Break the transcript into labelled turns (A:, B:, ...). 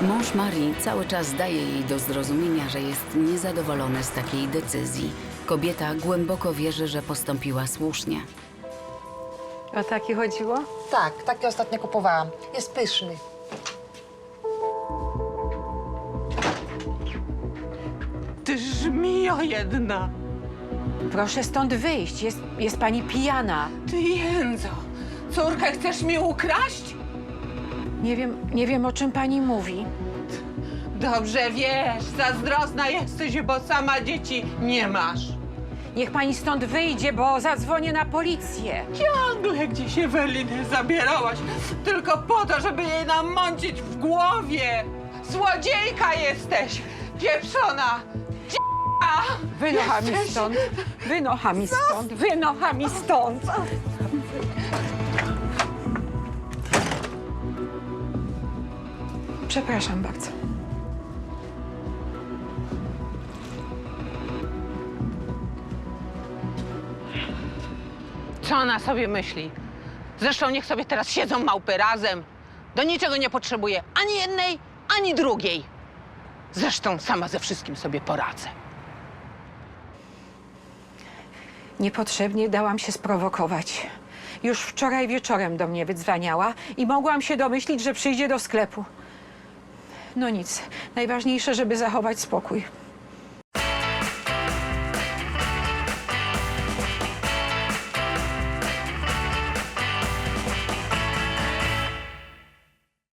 A: Mąż Marii cały czas daje jej do zrozumienia, że jest niezadowolony z takiej decyzji. Kobieta głęboko wierzy, że postąpiła słusznie.
B: O taki chodziło?
C: Tak, taki ostatnio kupowałam. Jest pyszny.
D: Ty żmijo jedna!
B: Proszę stąd wyjść. Jest pani pijana.
D: Ty jędzo! Córkę chcesz mi ukraść?
B: Nie wiem, o czym pani mówi.
D: Dobrze wiesz, zazdrosna jesteś, bo sama dzieci nie masz.
B: Niech pani stąd wyjdzie, bo zadzwonię na policję.
D: Ciągle gdzieś Ewelinę zabierałaś, tylko po to, żeby jej namącić w głowie. Złodziejka jesteś, pieprzona!
B: Wynocha mi stąd. Wynocha mi stąd. Wynocha mi stąd. Przepraszam bardzo.
D: Co ona sobie myśli? Zresztą niech sobie teraz siedzą małpy razem. Do niczego nie potrzebuje ani jednej, ani drugiej. Zresztą sama ze wszystkim sobie poradzę.
B: Niepotrzebnie dałam się sprowokować. Już wczoraj wieczorem do mnie wydzwaniała i mogłam się domyślić, że przyjdzie do sklepu. No nic, najważniejsze, żeby zachować spokój.